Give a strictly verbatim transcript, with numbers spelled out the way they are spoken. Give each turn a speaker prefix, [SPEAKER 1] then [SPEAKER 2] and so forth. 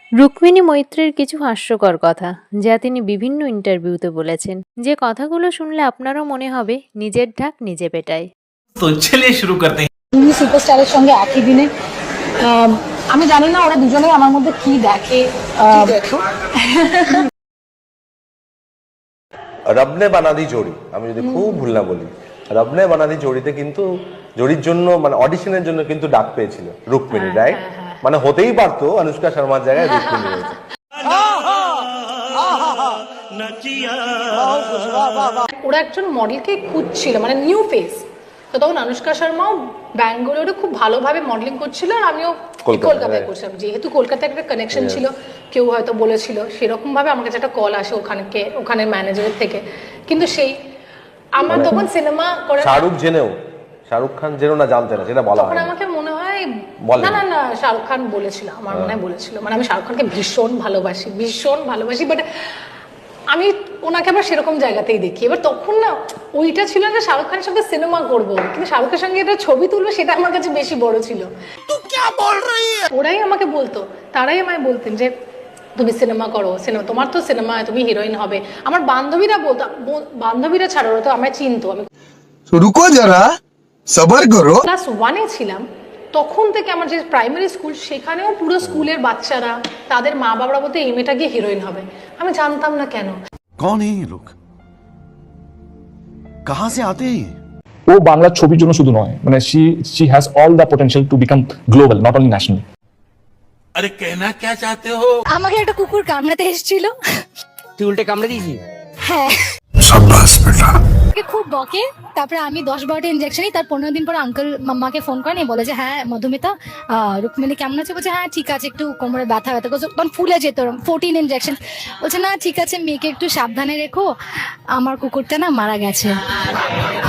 [SPEAKER 1] রুক্মিণী মৈত্রের কিছু হাস্যকর কথা যা তিনি বিভিন্ন ইন্টারভিউতে বলেছেন, যে কথাগুলো শুনলে আপনারও মনে হবে নিজের ঢাক নিজে পেটায়।
[SPEAKER 2] তো চলিয়ে শুরু করতে हैं।
[SPEAKER 3] দুই সুপারস্টারের সঙ্গে একই দিনে আম, আমি জানি না ওরা দুজনেই আমার মধ্যে কি দেখে। আম,
[SPEAKER 4] রবনে বানাদি জোড়ি, আমি যদি খুব ভুল না বলি, রবনে বানাদি জোড়িতে কিন্তু জোড়ির জন্য মানে অডিশনের জন্য কিন্তু ডাক পেয়েছিল রুক্মিণী, রাইট? মানে হতেই পারতো অনুষ্কা শর্মার জায়গায় রুক্মিণী হয়েছে।
[SPEAKER 3] ওরা একজন মডেলকে খুঁজছিল, মানে নিউ ফেস। তো তখন অনুষ্কা শর্মাও ব্যাঙ্গালোরে খুব ভালোভাবে মডেলিং করছিল, আর আমিও
[SPEAKER 4] কলকাতায়,
[SPEAKER 3] কলকাতায়
[SPEAKER 4] right.
[SPEAKER 3] করছিলাম। যেহেতু কলকাতায় একটা কানেকশন ছিল, কেউ হয়তো বলেছিল, সেরকম ভাবে আমার কাছে একটা কল আসে ওখানকে ওখানের ম্যানেজারের থেকে। কিন্তু সেই আমার
[SPEAKER 4] মানে
[SPEAKER 3] তখন সিনেমা করে
[SPEAKER 4] শাহরুখ জেনেও, শাহরুখ খান জেনেও না জানতে না, সেটা বলা
[SPEAKER 3] তখন
[SPEAKER 4] হয় না।
[SPEAKER 3] আমাকে মনে হয়
[SPEAKER 4] বলেনি।
[SPEAKER 3] না না না শাহরুখ খান বলেছিল, আমার মনে হয় বলেছিল। মানে আমি শাহরুখ খানকে ভীষণ ভালোবাসি, ভীষণ ভালোবাসি, বাট আমি ওনাকে আবার সেরকম জায়গাতেই দেখি। এবার তখন না ওইটা ছিল না শাহরুখ খানের সঙ্গে সিনেমা করবো, কিন্তু শাহরুখের সঙ্গে এটা ছবি তুলবো, সেটা আমার কাছে বেশি বড় ছিল। ওরাই আমাকে বলতো, তারাই আমায় বলতেন যে তুমি সিনেমা করো, সিনেমা তোমার তো সিনেমা, তুমি হিরোইন হবে। আমার বান্ধবীরা বলতো, বান্ধবীরা ছাড়া ওরা তো আমায় চিনতো। আমি
[SPEAKER 5] रुको जरा सबर करो।
[SPEAKER 3] ক্লাস ওয়ানে ছিলাম, তখন থেকে আমার যে প্রাইমারি স্কুল, সেখানেও পুরো স্কুলের বাচ্চারা তাদের মা বাবারা বলতে এই মেয়েটা গিয়ে হিরোইন হবে। আমি জানতাম না কেন।
[SPEAKER 6] कौन है ये लोग, कहां से आते हैं ये?
[SPEAKER 7] ও বাংলা ছবির জন্য শুধু নয়, মানে she she has all the potential to become global, not only national.
[SPEAKER 2] अरे कहना क्या चाहते हो?
[SPEAKER 8] আমাকে একটা কুকুর কামড়াতে এসেছিল।
[SPEAKER 9] তুই উল্টে কামড়ে দিয়েছি?
[SPEAKER 8] হ্যাঁ,
[SPEAKER 5] शाबाश बेटा।
[SPEAKER 8] ওকে খুব বকে। তারপরে আমি দশ বারোটা ইঞ্জেকশনই, তার পনেরো দিন পর আঙ্কেল মাম্মাকে ফোন করেন, বলে যে হ্যাঁ মধুমিতা, আহ, রুক্মিণী কেমন আছে? বলছে হ্যাঁ ঠিক আছে, একটু কোমরে ব্যথা ব্যথা করছে, তখন ফুলে যেত ফোরটিন ইঞ্জেকশন। বলছে না ঠিক আছে, মেয়েকে একটু সাবধানে রেখো, আমার কুকুরটা না মারা গেছে।